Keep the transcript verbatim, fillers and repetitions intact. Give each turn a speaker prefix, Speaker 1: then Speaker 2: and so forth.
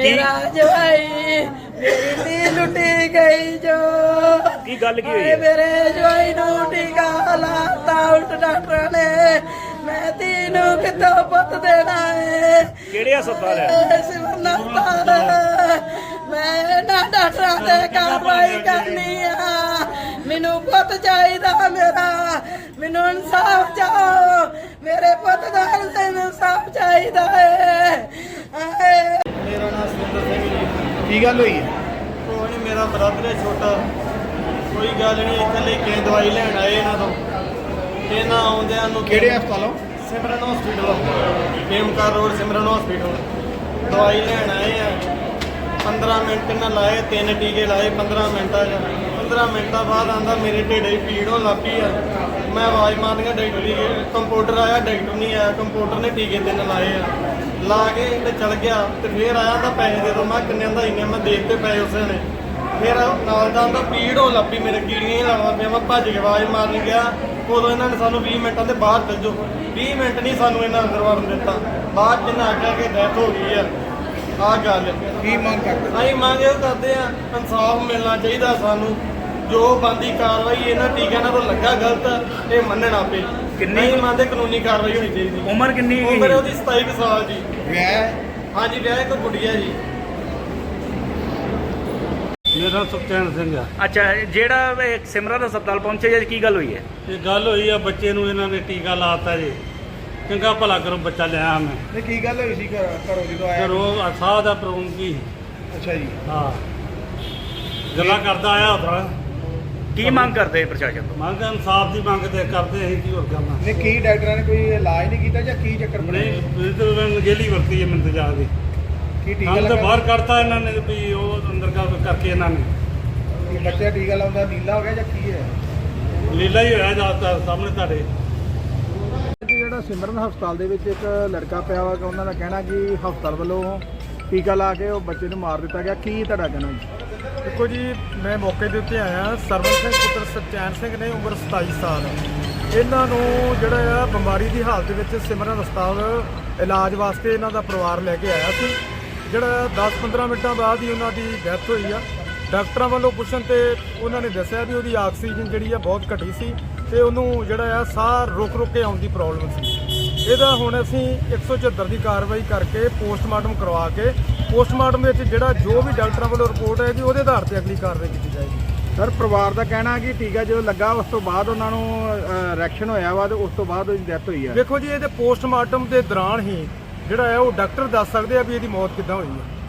Speaker 1: मेरा जवाई मेरी धी लुटी गई जो
Speaker 2: की गल की हुई है?
Speaker 1: मेरे जवाई नू टीका लाता उल्ट डॉक्टर ने मैं तीनों कितो पुत देना है
Speaker 2: ਕਿਹੜੇ ਹਸਪਤਾਲ ਹੈ?
Speaker 1: सिमरना हस्पताल मैं ना डॉक्टर से कार्रवाई करनी है मैनू पुत चाहिदा मेरा मैनू इंसाफ चाहो मेरे पुत दा इंसाफ चाहिदा है
Speaker 3: मेरा नाम सुंदर सिंह जी
Speaker 4: ਕੀ ਗੱਲ ਹੋਈ ਹੈ?
Speaker 3: ਕੋਈ ਨਹੀਂ ਮੇਰਾ ਬ੍ਰਦਰ ਹੈ ਛੋਟਾ ਕੋਈ ਗੱਲ ਨਹੀਂ ਇੱਥੇ ਲੈ ਕੇ ਦਵਾਈ ਲੈਣ ਆਏ ਇਹਨਾਂ ਤੋਂ ਇਹਨਾਂ ਆਉਂਦਿਆਂ ਨੂੰ
Speaker 4: ਕਿਹੜੇ ਹਸਪਤਾਲੋਂ?
Speaker 3: Simran hospital Khemkar road Simran hospital ਦਵਾਈ ਲੈਣ ਆਏ ਆ ਪੰਦਰਾਂ ਮਿੰਟ ਇਹਨਾਂ ਲਾਏ ਤਿੰਨ ਟੀਕੇ ਲਾਏ ਪੰਦਰਾਂ ਮਿੰਟਾਂ 'ਚ ਪੰਦਰਾਂ ਮਿੰਟਾਂ ਬਾਅਦ ਆਂਦਾ ਮੇਰੇ ਢਿੱਡੇ 'ਚ ਪੀੜ ਹੋਣ ਲੱਗ ਪਈ ਆ ਮੈਂ ਆਵਾਜ਼ ਮਾਰਦੀਆਂ ਡਾਕਟਰ ਦੀ ਕੰਪਿਊਟਰ ਆਇਆ ਡਾਕਟਰ ਨਹੀਂ ਆਇਆ ਕੰਪਿਊਟਰ ਨੇ ਟੀਕੇ ਤਿੰਨ ਲਾਏ ਆ ਲਾ ਕੇ ਤੇ ਚਲ ਗਿਆ ਤੇ ਫੇਰ ਆਇਆ ਤਾਂ ਪੈਸੇ ਦੇ ਦੋ ਮੈਂ ਕਿੰਨੇ ਦਾ ਇੰਨੇ ਮੈਂ ਦੇ ਦਿੱਤੇ ਪੈਸੇ ਉਸੇ ਨੇ ਫਿਰ ਨਾਲ ਦਾ ਆਂਦਾ ਪੀੜ ਹੋਣ ਲੱਗ ਪਈ ਮੇਰੇ ਕੀੜੀਆਂ ਹੀ ਲਾਉਣਾ ਪਿਆ ਮੈਂ ਭੱਜ ਕੇ ਆਵਾਜ਼ ਮਾਰਨ ਗਿਆ ਉਦੋਂ ਇਹਨਾਂ ਨੇ ਸਾਨੂੰ ਵੀਹ ਮਿੰਟਾਂ ਦੇ ਬਾਹਰ ਭੇਜੋ ਵੀਹ ਮਿੰਟ ਨਹੀਂ ਸਾਨੂੰ ਇਹਨਾਂ ਅੰਦਰ ਵੜਨ ਦਿੱਤਾ ਬਾਅਦ ਜਿੰਨਾ ਆਖਿਆ ਕਿ ਡੈਥ ਹੋ ਗਈ ਆ ਆਹ ਗੱਲ
Speaker 4: ਕੀ ਮੰਗ ਕਰਦੇ?
Speaker 3: ਅਸੀਂ ਮੰਗ ਇਹ ਕਰਦੇ ਆ ਇਨਸਾਫ ਮਿਲਣਾ ਚਾਹੀਦਾ ਸਾਨੂੰ ਜੋ ਬੰਦੀ ਕਾਰਵਾਈ ਇਹਨਾਂ ਟੀਕਿਆਂ ਨਾਲ ਤੋਂ ਲੱਗਾ ਗਲਤ ਇਹ ਮੰਨਣਾ ਪਏ
Speaker 2: ਕਿੰਨੀ-
Speaker 3: ਨਹੀਂ ਮੰਨਦੇ ਕਾਨੂੰਨੀ ਕਾਰਵਾਈ ਹੋਣੀ ਚਾਹੀਦੀ
Speaker 2: ਉਮਰ ਕਿੰਨੀ ਹੈਗੀ?
Speaker 3: ਉਮਰ ਉਹਦੀ ਸਤਾਈ ਕੁ ਸਾਲ ਜੀ
Speaker 4: ਵਿਆਹ
Speaker 3: ਹਾਂਜੀ ਵਿਆਹ ਇੱਕ ਗੁੱਡੀਆ ਜੀ
Speaker 5: ਮੇਰਾ ਸੁਖਚੈਨ ਸਿੰਘ ਆ।
Speaker 2: ਅੱਛਾ ਜਿਹੜਾ ਇਹ ਸਿਮਰਨ ਹਸਪਤਾਲ ਪਹੁੰਚੇ ਜੀ ਕੀ ਗੱਲ ਹੋਈ ਹੈ?
Speaker 5: ਇਹ ਗੱਲ ਹੋਈ ਆ ਬੱਚੇ ਨੂੰ ਇਹਨਾਂ ਨੇ ਟੀਕਾ ਲਾਤਾ ਜੀ ਚੰਗਾ ਭਲਾ ਕਰੋ ਬੱਚਾ ਲਿਆ ਮੈਂ
Speaker 4: ਨਹੀਂ ਕੀ ਗੱਲ ਹੋਈ ਸੀ ਘਰ- ਘਰੋਂ ਜਦੋਂ
Speaker 5: ਤੇ
Speaker 4: ਆਇਆ?
Speaker 5: ਰੋਗ ਸਾਹ ਦਾ ਪ੍ਰੋਬਲਮ ਕੀ
Speaker 4: ਅੱਛਾ ਜੀ।
Speaker 5: ਹਾਂ ਗੱਲਾਂ ਕਰਦਾ ਆਇਆ ਉਧਰ
Speaker 2: ਕੀ ਮੰਗ ਕਰਦੇ ਪ੍ਰਸ਼ਾਸਨ ਤੋਂ?
Speaker 5: ਮੰਗ ਇਨਸਾਫ ਦੀ ਮੰਗ ਤੇ ਕਰਦੇ ਅਸੀਂ ਕੀ ਹੋਰ ਕਰਨਾ
Speaker 4: ਨਹੀਂ ਕੀ ਡਾਕਟਰਾਂ ਨੇ ਕੋਈ ਇਲਾਜ ਨਹੀਂ ਕੀਤਾ ਜਾਂ ਕੀ ਚੱਕਰ ਬਣਿਆ?
Speaker 5: ਨਹੀਂ ਇਹ ਤਾਂ ਨਗੇਲੀ ਵਰਤੀ ਹੈ ਮੈਨੂੰ ਜਾ ਦੀ
Speaker 4: ਕੀ ਟੀਕਾ
Speaker 5: ਕੰਮ ਤਾਂ
Speaker 4: ਲੱਗਾ?
Speaker 5: ਬਾਹਰ ਕੱਢਤਾ ਇਹਨਾਂ ਨੇ ਵੀ ਉਹ ਅੰਦਰ ਕਰ ਕਰਕੇ ਇਹਨਾਂ ਨੇ
Speaker 4: ਕੀ ਬੱਚਾ ਟੀਕਾ ਲਾਉਂਦਾ ਨੀਲਾ ਹੋ ਗਿਆ ਜਾਂ ਕੀ ਹੈ?
Speaker 5: ਲੀਲਾ ਹੀ ਹੋਇਆ ਜ਼ਿਆਦਾਤਰ ਸਾਹਮਣੇ ਤੁਹਾਡੇ
Speaker 4: ਜਿਹੜਾ ਸਿਮਰਨ ਹਸਪਤਾਲ ਦੇ ਵਿੱਚ ਇੱਕ ਲੜਕਾ ਪਿਆ ਵਾ ਉਹਨਾਂ ਦਾ ਕਹਿਣਾ ਕਿ ਹਸਪਤਾਲ ਵੱਲੋਂ ਟੀਕਾ ਲਾ ਕੇ ਉਹ ਬੱਚੇ ਨੂੰ ਮਾਰ ਦਿੱਤਾ ਗਿਆ ਕੀ ਤੁਹਾਡਾ ਕਹਿਣਾ ਜੀ?
Speaker 6: ਦੇਖੋ ਜੀ ਮੈਂ ਮੌਕੇ ਦੇ ਉੱਤੇ ਆਇਆ ਸਰਵਨ ਸਿੰਘ ਪੁੱਤਰ ਸੁਖਚੈਨ ਸਿੰਘ ਨੇ ਉਮਰ ਸਤਾਈ ਸਾਲ ਇਹਨਾਂ ਨੂੰ ਜਿਹੜਾ ਆ ਬਿਮਾਰੀ ਦੀ ਹਾਲਤ ਵਿੱਚ ਸਿਮਰਨ ਹਸਪਤਾਲ ਇਲਾਜ ਵਾਸਤੇ ਇਹਨਾਂ ਦਾ ਪਰਿਵਾਰ ਲੈ ਕੇ ਆਇਆ ਸੀ ਜਿਹੜਾ ਦਸ ਪੰਦਰਾਂ ਮਿੰਟਾਂ ਬਾਅਦ ਹੀ ਉਹਨਾਂ ਦੀ ਡੈਥ ਹੋਈ ਆ ਡਾਕਟਰਾਂ ਵੱਲੋਂ ਪੁੱਛਣ ਤੇ ਉਹਨਾਂ ਨੇ ਦੱਸਿਆ ਵੀ ਉਹਦੀ ਆਕਸੀਜਨ ਜਿਹੜੀ ਆ ਬਹੁਤ ਘਟੀ ਸੀ ਤੇ ਉਹਨੂੰ ਜਿਹੜਾ ਆ ਸਾਹ ਰੁਕ ਰੁਕ ਕੇ ਆਉਣ ਦੀ ਪ੍ਰੋਬਲਮ ਸੀ ਇਹਦਾ ਹੁਣ ਅਸੀਂ ਇੱਕ ਸੌ ਚੁਹੱਤਰ ਦੀ ਕਾਰਵਾਈ ਕਰਕੇ ਪੋਸਟਮਾਰਟਮ ਕਰਵਾ ਕੇ ਪੋਸਟਮਾਰਟਮ ਵਿੱਚ ਜਿਹੜਾ ਜੋ ਵੀ ਡਾਕਟਰਾਂ ਵੱਲੋਂ ਰਿਪੋਰਟ ਆਏਗੀ ਉਹਦੇ ਆਧਾਰ ਤੇ ਅਗਲੀ ਕਾਰਵਾਈ ਕੀਤੀ ਜਾਏਗੀ।
Speaker 4: ਸਰ ਪਰਿਵਾਰ ਦਾ ਕਹਿਣਾ ਕਿ ਟੀਕਾ ਜਦੋਂ ਲੱਗਾ ਉਸ ਤੋਂ ਬਾਅਦ ਉਹਨਾਂ ਨੂੰ ਰਿਐਕਸ਼ਨ ਹੋਇਆ ਵਾ ਤੇ ਉਸ ਤੋਂ ਬਾਅਦ ਉਹਦੀ ਡੈਥ ਹੋਈ ਆ।
Speaker 6: ਦੇਖੋ ਜੀ ਇਹਦੇ ਪੋਸਟਮਾਰਟਮ ਦੇ ਦੌਰਾਨ ਹੀ ਜਿਹੜਾ ਹੈ ਉਹ ਡਾਕਟਰ ਦੱਸ ਸਕਦੇ ਆ ਵੀ ਇਹਦੀ ਮੌਤ ਕਿੱਦਾਂ ਹੋਈ ਹੈ।